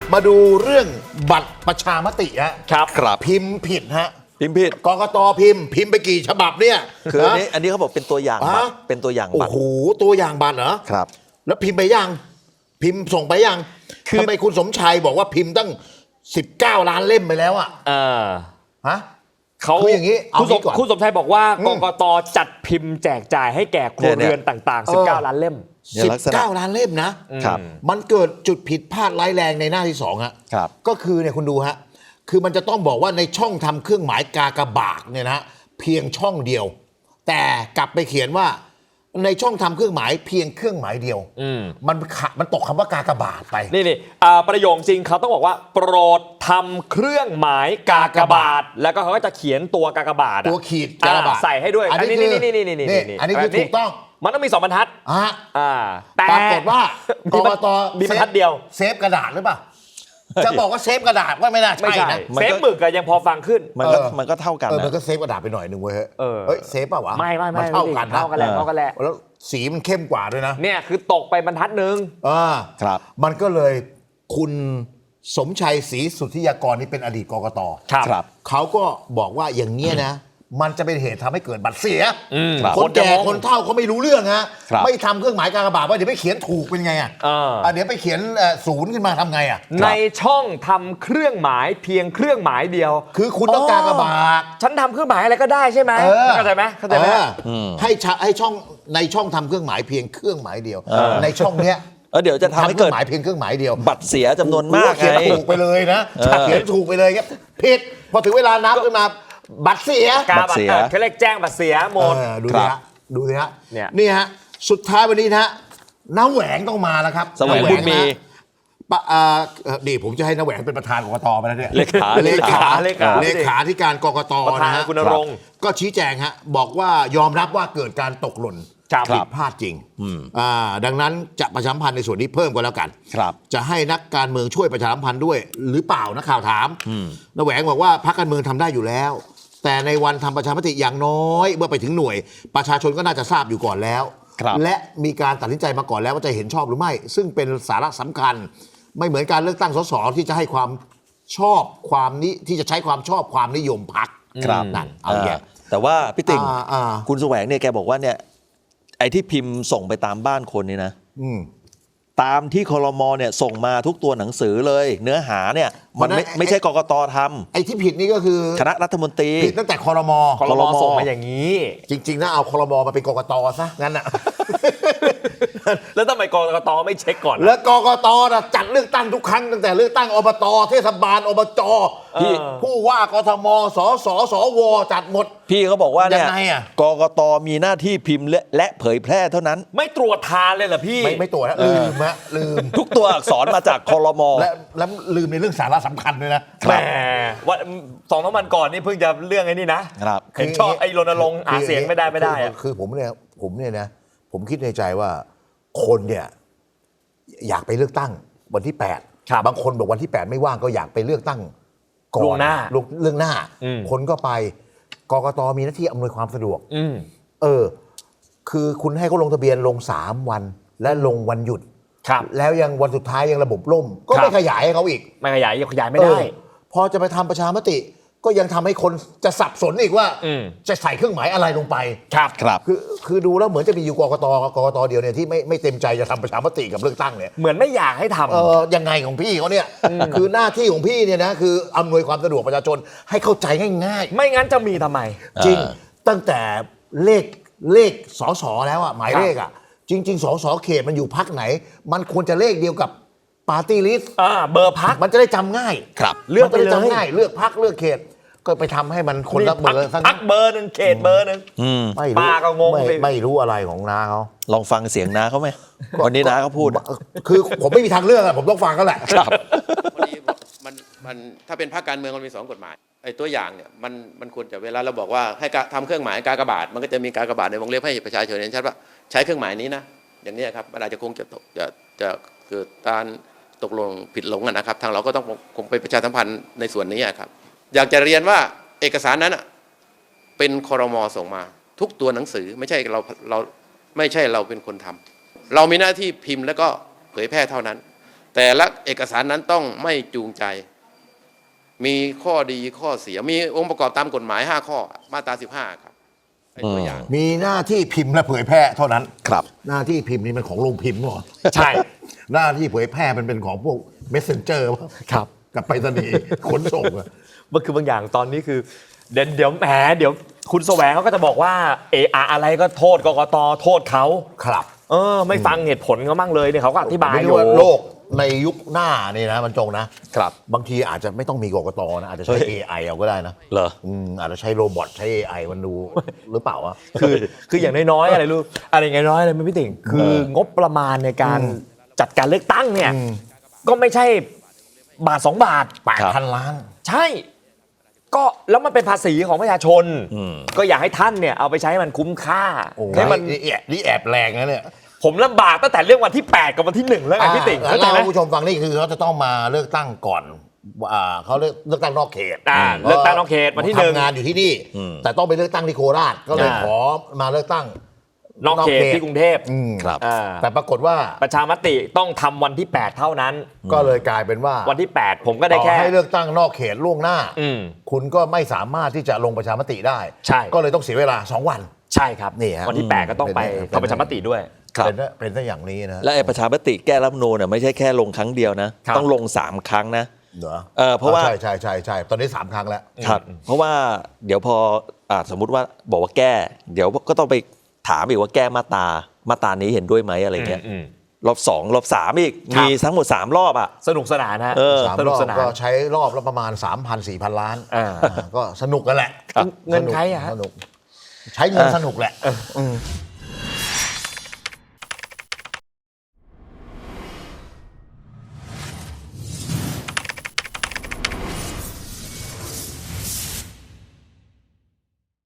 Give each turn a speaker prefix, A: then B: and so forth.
A: มาดูเรื่องบัตรประชามติฮะ
B: ครับ
A: พิมพ์ผิดฮะ
B: พิมพ์ผิด
A: กกตพิมพ์ไปกี่ฉบับเนี่ย
B: คืออันนี้เขาบอกเป็นตัวอย่างบัตรเป็นตัวอย่างบัตร
A: โอ้โหตัวอย่างบัตรเหรอ
B: ครับ
A: แล้วพิมพ์ไปยังพิมพ์ส่งไปยัง
B: คือ
A: ทำไมคุณสมชัยบอกว่าพิมพ์ตั้ง19 ล้านเล่มไปแล้วอะฮะ
C: เขา
A: คืออย่างนี้เอา
C: คุณส
A: งี้
C: ม
A: ก่อน
C: คุณสมชัยบอกว่ากกตจัดพิมพ์แจกจ่ายให้แก่ครัวเรือนต่างๆ 19 ล้านเล่ม
B: เนี่ยลักษณะ
A: 19 ล้านเล่มนะ
B: ครับ
A: มันเกิดจุดผิดพลาดร้ายแรงในหน้าที่2ฮะ
B: ครับ
A: ก็คือเนี่ยคุณดูฮะคือมันจะต้องบอกว่าในช่องทำเครื่องหมายกากบาทเนี่ยนะเพียงช่องเดียว แต่กลับไปเขียนว่าในช่องทำเครื่องหมายเพียงเครื่องหมายเดียวมันตกคำว่ากากบาทไป
C: นี่ประโยคจริงเขาต้องบอกว่า โปรดทำเครื่องหมายกากบาท แล้วก็เขาก็จะเขียนตัวกากบาท
A: ตัวขีดกากบาท
C: ใส่ให้ด้วย
A: อันนี้
C: นี่
A: อันนี้คือถูกต้อง
C: มันต้องมี2 บรรทัด แต่
A: ปรากฏว่ากกต
C: มีบรรทัดเดียว
A: เซฟกระดาษหรือเปล่าจะบอกว่าเซฟกระดาษว่าไม่น่า
C: ไม่
A: ใช่
C: ใช่
A: นะ
C: เซฟหมึกอะยังพอฟังขึ้น
B: มันก็เท่ากัน
A: มัน
B: นะ
A: ก็เซฟกระดาษไปหน่อยหนึ่งเว้ย
C: เออ
A: เฮ้ยเซฟป่ะวะ
C: ไม่
A: นเท่ากันนะ
C: เท่ากันแหละเท่ากันแหละ
A: แล้วสีมันเข้มกว่าด้วยนะ
C: เนี่ยคือตกไปบรรทัดหนึ่ง
B: ครับ
A: มันก็เลยคุณสมชัยศรีสุทธิยากรนี่เป็นอดีตกกต
B: ครับ
A: เขาก็บอกว่าอย่างเงี้ยนะ มันจะเป็นเหตุทำให้เกิดบัตรเสีย
B: ครับ
A: คนแก่
C: คนจะงง
A: คนเฒ่าเขาไม่รู้เรื่องฮะ
B: ครับ
A: ไม่ทำเครื่องหมายกากบาทว่าเดี๋ยวไปเขียนถูกเป็นไงเดี๋ยวไปเขียนศูนย์ขึ้นมาทำไง
C: ในช่องทำเครื่องหมายเพียงเครื่องหมายเดียว
A: คือคุณต้องกากบาท
C: ฉันทำเครื่องหมายอะไรก็ได้ใช่ไหมเข้าใจไหมเข้าใจไหม
A: ให้ช่องในช่องทำเครื่องหมายเพียงเครื่องหมายเดียว ในช่องเนี้ย
B: เดี๋ยวจะทำให้
A: เครื่
B: เกิ
A: อ
B: ด
A: งหมายเพียงเครื่องหมายเดียว
B: บัตรเสียจำนวนมาก
A: เขียน
B: ไง
A: ถูกไปเลยนะเขียนถูกไปเลยครับผิดพอถึงเวลานับขึ้นมาบัตรเสีย
C: กา
B: บัตรเสีย
C: เขาเรียกแจ้งบัตรเสียหมด
A: ดูสิฮะดูสิฮะ
C: เนี่ย
A: นี่ฮะสุดท้ายวันนี้นะฮะน้าแหวงต้องมาแล้วครับ
B: แสวงบุญมี
A: นี่ผมจะให้น้าแหวงเป็นประธานกกตไปแล้วเนี่ย
B: เลขา
A: เลขา
C: เลขา
A: ธิการกกต
C: ประธาน
A: นะฮะ
C: คุณณรงค์
A: ก็ชี้แจงฮะบอกว่ายอมรับว่าเกิดการตกหล่น
C: ครับ
A: ผิดพลาดจริงดังนั้นจะประชาสัมพันธ์ในส่วนนี้เพิ่มก็แล้วกัน
B: ครับ
A: จะให้นักการเมืองช่วยประชาสัมพันธ์ด้วยหรือเปล่านักข่าวถามน้าแหวงบอกว่าพรรคการเมืองทำได้อยู่แล้ว แต่ในวันทำประชามติอย่างน้อยเมื่อไปถึงหน่วย ประชาชนก็น่าจะทราบอยู่ก่อนแล้ว
B: ครับ
A: และมีการตัดสินใจมาก่อนแล้วว่าจะเห็นชอบหรือไม่ ซึ่งเป็นสาระสำคัญ ไม่เหมือนการเลือกตั้งสสที่จะให้ความชอบความนี้ที่จะใช้ความชอบความนิยมพรรค
B: ครับ
A: นั่นเอาแย่
B: แต่ว่าพี่ติ่ง
A: อ่า
B: คุณแสวงเนี่ยแกบอกว่าเนี่ยไอ้ที่พิมพ์ส่งไปตามบ้านคนนี่นะ
A: อืม
B: ตามที่ครมเนี่ยส่งมาทุกตัวหนังสือเลย เนื้อหาเนี่ยมัน
A: เพราะฉะนั้น
B: ไม่ใช่กกตท
A: ไอ้ที่ผิดนี่ก็คือ
B: ำคณะรัฐมนตรี
A: ผิดตั้งแต่คอรมอ
C: คอรมอส่งมาอย่างนี้
A: จริงๆนะเอาคอรมอมาเป็นกกตซะงั้นน่ะ
C: แล้วทำไมกกตไม่เช็คก่อน
A: แล้วกกตน่ะจัดเลือกตั้งทุกครั้งตั้งแต่เลือกตั้งอบตเทศบาลอบจ
C: พี่
A: ผู้ว่ากทมสสสวจัดหมด
B: พี่เขาบอกว่าเนี่ย
A: ยังไงอะ
B: กกตมีหน้าที่พิมพ์และเผยแพร่เท่านั้น
C: ไม่ตรวจทานเลยเหรอพี่
A: ไม่ตัวจนะลืมฮะลืม
B: ทุกตัวอักษรมาจากครม
A: และลืมในเรื่องสาระสำคัญด้วยนะ
C: แหมวัน2-3 วันก่อนนี่เพิ่งจะเรื่องไอ้นี่นะครับ เห็นชอบไอ้รณรงค์หาเสียงไม่ได้อะ
A: คือผมเนี่ยนะผมคิดในใจว่าคนเนี่ยอยากไปเลือกตั้งวันที่8บางคนบอกวันที่ 8 ไม่ว่างก็อยากไปเลือกตั้งก่อน
C: ล่วงหน้า
A: เรื่องหน้า
C: อืม
A: คนก็ไปกกตมีหน้าที่อำนวยความสะดวก
C: อืม
A: คือคุณให้เขาลงทะเบียนลง3 วันและลงวันหยุด
C: ครับ
A: แล้วยังวันสุดท้ายยังระบบล่ม ก็ไม่ขยายให้เขาอีก
C: ไม่ขยายไม่ได้
A: พอจะไปทำประชามติ ก็ยังทำให้คนจะสับสนอีกว่า จะใส่เครื่องหมายอะไรลงไป
C: ครับ
B: ครับ
A: คือดูแล้วเหมือนจะมีอยู่กกตเดียวเนี่ยที่ไม่เต็มใจจะทำประชามติกับเลือกตั้งเนี่ย
C: เหมือนไม่อยากให้ทำ
A: ยังไงของพี่เขาเนี่ยคือหน้าที่ของพี่เนี่ยนะคืออำนวยความสะดวกประชาชนให้เข้าใจง่าย
C: ไม่งั้นจะมีทำไม
A: ๆ จริงตั้งแต่เลขสสแล้วอ่ะหมายเลขอ่ะจริง ๆสสเขตมันอยู่พักไหน มันควรจะเลขเดียวกับปาร์ตี้ลิสต์
C: เบอร์พัก
A: มันจะได้จำง่าย
B: ครับ
C: เลือกไปเลย
A: มันจะได้จำง่ายเลือกพักเลือกเขต ก็ไปทำให้มันคนละเบอร์ซะ
C: พักเบอร์หนึ่งเขตเบอร์หนึ่ง
A: ไม่รู้
C: ป้าก็งงสิ
A: ไม่รู้อะไรของน้าเขา
B: ลองฟังเสียงน้าเขาไหมวันนี้น้าเขาพูด
A: คือผมไม่มีทางเลือกอะผมต้องฟังก็แหละ
B: ครับ
D: พอดีมันถ้าเป็นภาคการเมืองมันมี2 กฎหมายไอ้ตัวอย่างเนี่ยมันควรจะเวลาเราบอกว่าให้ทำเครื่องหมายกากบาทมันก็จะมีกากบาทในวงเล็บให้ประชาชนเห็นชัดว่าใช้เครื่องหมายนี้นะอย่างนี้ครับมันอาจจะคงจะเกิดการตกลงผิดหลงกันนะครับทางเราก็ต้องคงไปประชาสัมพันธ์ในส่วนนี้ครับอยากจะเรียนว่าเอกสารนั้นเป็นครม.ส่งมาทุกตัวหนังสือไม่ใช่เราไม่ใช่เราเป็นคนทำเรามีหน้าที่พิมพ์แล้วก็เผยแพร่เท่านั้นแต่ละเอกสารนั้นต้องไม่จูงใจ มีข้อดีข้อเสียมีองค์ประกอบตามกฎหมาย5ข้อมาตรา15ครับไอ้ตัวอย่าง
A: มีหน้าที่พิมพ์และเผยแพร่เท่านั้น
B: ครับ
A: หน้าที่พิมพ์นี่มันของโรงพิมพ์เหรอ
C: ใช่
A: หน้าที่เผยแพร่มันเป็นของพวก messenger วะ
C: ครับ
A: กับไปรษณีย์ขนส่งอะ
C: มันคือบางอย่างตอนนี้คือเดี๋ยวแหมเดี๋ยวคุณแสวงเขาก็จะบอกว่าอะไรก็โทษกกตโทษเขา
A: ครับ
C: ไม่ฟังเหตุผลเขามั่งเลยเนี่ยเขาก็อธิบาย
A: ไม่
C: อ
A: รู้
C: ยู่
A: ว่าโลกในยุคหน้านี่นะมันจงนะ
C: ครับ
A: บางทีอาจจะไม่ต้องมีกกตนะอาจจะใช้ AI เอาก็ได้นะ
B: เหรอ
A: อาจจะใช้โรบอทใช้ AI มันดูหรือเปล่าวะ
C: คืออย่างน้อยๆอะไรรู้อะไรอย่างน้อยๆอะไรไม่พี่ติ่งคืองบประมาณในการจัดการเลือกตั้งเนี่ยก็ไม่ใช่บาท2 บาท
A: 8,000 ล้าน
C: ใช่ ก็แล้วมันเป็นภาษีของประชาชน ก็อยากให้ท่านเนี่ยเอาไปใช้ให้มันคุ้มค่า
A: โอ้
C: ให้มัน
A: นี่แอบแรงนะเนี่ย
C: ผมลำบากตั้งแต่เรื่องวันที่ 8 กับวันที่ 1 แล้วไงพี่ติ่งเข้าใจ
A: เล่า
C: ไหม
A: ให้ผู้ชมฟังนี่คือเขาจะต้องมาเลือกตั้งก่อนเขาเลือกตั้งนอกเขต
C: เลือกตั้งนอกเขตวันที่ 1
A: ทำงานอยู่ที่นี่ แต่ต้องไปเลือกตั้งที่โคราชก็เลยขอมาเลือกตั้ง
C: นอกเขตที่กรุงเทพ
B: ครับ
A: แต่ปรากฏว่า
C: ประชามติต้องทำวันที่ 8 เท่านั้น
A: ก็เลยกลายเป็นว่า
C: วันที่ 8 ผมก็ได้
A: ต่อ
C: แค่
A: ให้เลือกตั้งนอกเขตล่วงหน้า
C: อืม
A: คุณก็ไม่สามารถที่จะลงประชามติได้
C: ใช่
A: ก็เลยต้องเสียเวลา 2 วัน
C: ใช่ครับ
A: นี่ฮะ
C: วันที่ 8 ก็ต้องไป
A: เป็น
C: ทำประชามติด้วย
B: ครับ
A: เป็นซะอย่างนี้นะ
B: และไอ้ประชามติแก้รัฐธรรมนูญเนี่ยไม่ใช่แค่ลงครั้งเดียวนะ
C: ครับ
B: ต้องลง 3 ครั้งนะ
A: เหรอ
B: เพราะว่า
A: ใช่ตอนนี้ 3 ครั้งแล้ว
B: ครับเพราะว่าเดี๋ยวพอสมมุติว่าบอกว่าแก้ เดี๋ยวก็ต้องไปถามอีกว่าแก้มาตรานี้เห็นด้วยไหมอะไรเงี้ยรอบ 2 รอบ 3 อีก
C: ครับ
B: มีทั้งหมด 3 รอบอ่ะ
C: สนุกสนานฮะ
A: สาม
C: ส
A: ร
C: นุก
A: อบ
C: สนาน
A: ก็ใช้รอบละประมาณ 3,000-4,000 ล้าน
C: อ่า
A: ก็สนุกกันแหละ
C: เงินใครอะฮะ
A: สนุกใช้เงินสนุกแหละ